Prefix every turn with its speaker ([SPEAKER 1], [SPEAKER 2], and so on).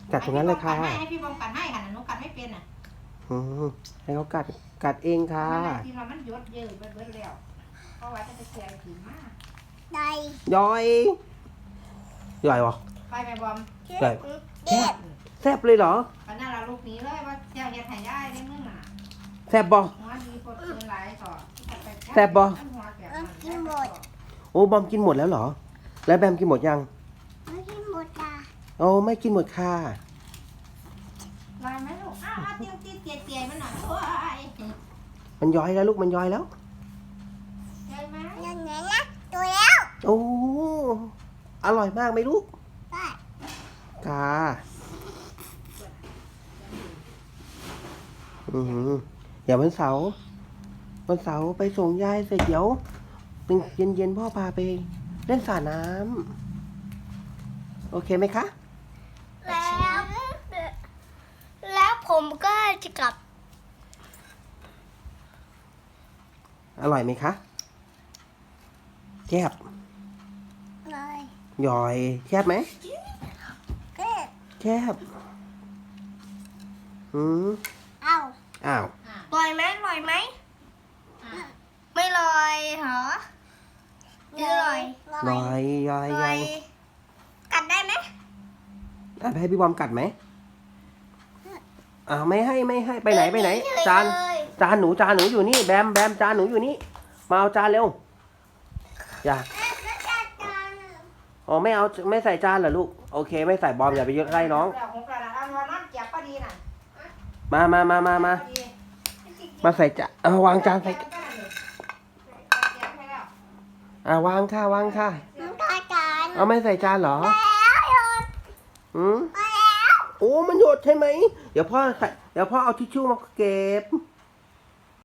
[SPEAKER 1] กัดตรงนั้นเลยค่ะ
[SPEAKER 2] ให้พี่บอมกัดให้ค่ะหนูกัดไม่เป็นอ่ะ
[SPEAKER 1] ให้เขากัดเองค่ะ
[SPEAKER 2] ทีเรามันยดเยอะเบิดแล้วเพราะว่าจะไปเสียผีมาก
[SPEAKER 3] ได้
[SPEAKER 1] ย่อยเหรอ
[SPEAKER 2] ไปแม่บอม
[SPEAKER 1] ย่อยแซ่บเลยเหรอ
[SPEAKER 2] ตอนนั้นเราลูกนี้เลยว่าเจ้าเฮ็ดให้ได้ได้มึงอ่ะ
[SPEAKER 1] แซ่บบ่
[SPEAKER 2] หัวดีปวดเกินหลายต่อ
[SPEAKER 1] แซ่บบ่
[SPEAKER 3] กินหมด
[SPEAKER 1] โอ้บอมกินหมดแล้วเหรอแล้วแบมกินหมดยัง
[SPEAKER 3] ไม่กินหมดอ่ะ
[SPEAKER 1] โอ้ไม่กินหมดค่ะ
[SPEAKER 2] ลายไหมลูกอ้าวเตี้ยเตี้ยมันหน่อยโอ้ย
[SPEAKER 1] มันย้อยแล้วลูกมันย้อยแล้ว
[SPEAKER 2] ใช่ไหม
[SPEAKER 3] นั่นไงนะตัวแล้ว
[SPEAKER 1] โอ้อร่อยมากไหมลูก
[SPEAKER 3] ได้
[SPEAKER 1] ค่ะเดี๋ยววันเสาร์ไปส่งยายเสร็จเดี๋ยวเย็นพ่อพาไปเล่นสระน้ำโอเคไหมคะ
[SPEAKER 3] แล้วผมก็จะกลับ
[SPEAKER 1] อร่อยไหมคะแซ่บ
[SPEAKER 3] เลย
[SPEAKER 1] ย่อยแซ่บไหมแซ่บอ้าว
[SPEAKER 3] ลอยไหมลอยไหมไม่ลอยเหรอไม่ลอย
[SPEAKER 1] ยัง
[SPEAKER 3] กัดได้ไหม
[SPEAKER 1] ให้พี่บอมกัดไหมไม่ให้ไปไหนจานหนูอยู่นี่แบมจานหนูอยู่นี่มาเอาจานเร็วอย่าไม่ใส่จานเหรอลูกโอเคไม่ใส่บอมอย่าไปเยอะใกล้น้องมาใส่จานวางจานใส่วางค่ะไม่ใส่จานเหรอโอ้มันหยดใช่ไหมเดี๋ยวพ่อเอาทิชชู่มาเก็บ